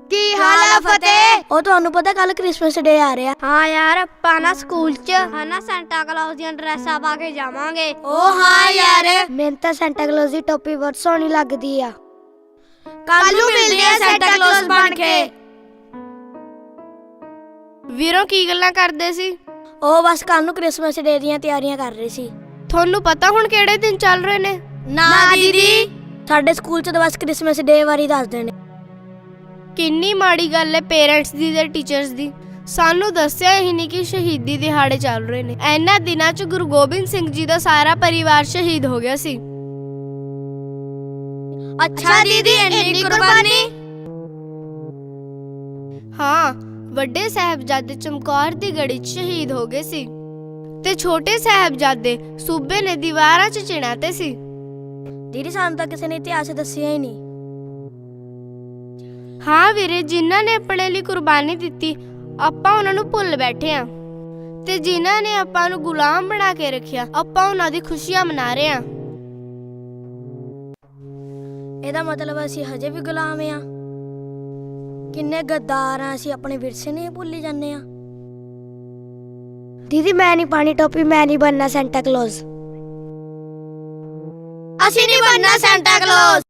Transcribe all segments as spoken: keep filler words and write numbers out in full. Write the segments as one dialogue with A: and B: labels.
A: ਕੀ ਹਾਲ ਆ ਫਤਿਹ?
B: ਉਹ ਤੁਹਾਨੂੰ ਪਤਾ ਕੱਲ ਕ੍ਰਿਸਮਸ ਡੇ ਆ ਰਿਹਾ।
A: ਹਾਂ ਯਾਰ, ਆਪਾਂ ਨਾ ਸਕੂਲ 'ਚ ਹਨਾ ਸੈਂਟਾ ਕਲੌਸ ਦੀਆਂ ਡਰੈਸਾਂ ਪਾ ਕੇ ਜਾਵਾਂਗੇ।
B: ਓ ਹਾਂ ਯਾਰ, ਮੈਨੂੰ ਤਾਂ ਸੈਂਟਾ ਕਲੌਸ ਦੀ ਟੋਪੀ ਬਹੁਤ ਸੋਹਣੀ ਲੱਗਦੀ ਆ।
A: ਕੱਲ ਨੂੰ ਮਿਲਦੇ ਆ ਸੈਂਟਾ ਕਲੌਸ ਬਣ ਕੇ। ਵੀਰੋ ਕੀ ਗੱਲਾਂ ਕਰਦੇ ਸੀ?
B: ਉਹ ਬਸ ਕੱਲ ਨੂੰ ਕ੍ਰਿਸਮਸ ਡੇ ਦੀਆਂ ਤਿਆਰੀਆਂ ਕਰ ਰਹੇ ਸੀ।
A: ਤੁਹਾਨੂੰ ਪਤਾ ਹੁਣ ਕਿਹੜੇ ਦਿਨ ਚੱਲ ਰਹੇ ਨੇ?
B: ਨਾ ਦੀਦੀ, ਸਾਡੇ ਸਕੂਲ 'ਚ ਤਾਂ ਬਸ ਕ੍ਰਿਸਮਸ ਡੇ ਬਾਰੇ ਦੱਸਦੇ ਨੇ।
A: ਕਿੰਨੀ ਮਾੜੀ ਗੱਲ ਹੈ ਪੇਰੈਂਟਸ ਦੀ ਤੇ ਟੀਚਰਸ ਦੀ। ਸਾਨੂੰ ਦੱਸਿਆ ਹੀ ਨਹੀਂ ਕਿ ਸ਼ਹੀਦੀ ਦਿਹਾੜੇ ਚੱਲ ਰਹੇ ਨੇ। ਇਹਨਾਂ ਦਿਨਾਂ 'ਚ ਗੁਰੂ ਗੋਬਿੰਦ ਸਿੰਘ ਜੀ ਦਾ ਸਾਰਾ ਪਰਿਵਾਰ ਸ਼ਹੀਦ ਹੋ ਗਿਆ ਸੀ।
B: ਅੱਛਾ ਦੀਦੀ, ਇੰਨੀ ਕੁਰਬਾਨੀ?
A: ਹਾਂ, ਵੱਡੇ ਸਾਹਿਬਜ਼ਾਦੇ ਚਮਕੌਰ ਦੀ ਗੜੀ 'ਚ ਸ਼ਹੀਦ ਹੋ ਗਏ ਸੀ ਤੇ ਛੋਟੇ ਸਾਹਿਬਜ਼ਾਦੇ ਸੂਬੇ ਨੇ ਦੀਵਾਰਾਂ 'ਚ ਚਿਣਾਤੇ ਸੀ।
B: ਦੀਦੀ, ਸਾਨੂੰ ਤਾਂ ਕਿਸੇ ਨੇ ਇਤਿਹਾਸ ਦੱਸਿਆ ਹੀ ਨਹੀਂ।
A: ਹਾਂ ਵੀਰੇ, ਜਿਨ੍ਹਾਂ ਨੇ ਆਪਣੇ ਲਈ ਕੁਰਬਾਨੀ ਦਿੱਤੀ ਆਪਾਂ ਉਹਨਾਂ ਨੂੰ ਭੁੱਲ ਬੈਠੇ ਆ, ਤੇ ਜਿਨ੍ਹਾਂ ਨੇ ਆਪਾਂ ਨੂੰ ਗੁਲਾਮ ਬਣਾ ਕੇ ਰੱਖਿਆ ਆਪਾਂ ਉਹਨਾਂ ਦੀ ਖੁਸ਼ੀਆਂ ਮਨਾ ਰਹੇ ਆ।
B: ਇਹਦਾ ਮਤਲਬ ਅਸੀਂ ਹਜੇ ਵੀ ਗੁਲਾਮ ਆ। ਕਿੰਨੇ ਗੱਦਾਰ ਆ ਅਸੀਂ, ਆਪਣੇ ਵਿਰਸੇ ਨੂੰ ਭੁੱਲੀ ਜਾਂਦੇ ਆ। ਦੀਦੀ, ਮੈਂ ਨਹੀਂ ਪਾਣੀ ਟੋਪੀ, ਮੈਂ ਨਹੀਂ ਬਣਨਾ ਸੈਂਟਾ ਕਲੌਸ।
A: ਅਸੀਂ ਨਹੀਂ ਬਣਨਾ ਸੈਂਟਾ ਕਲੌਸ।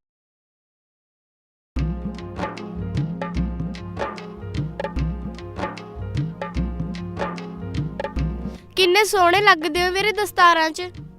A: ਕਿੰਨੇ ਸੋਹਣੇ ਲੱਗਦੇ ਹੋ ਵੀਰੇ ਦਸਤਾਰਾਂ 'ਚ।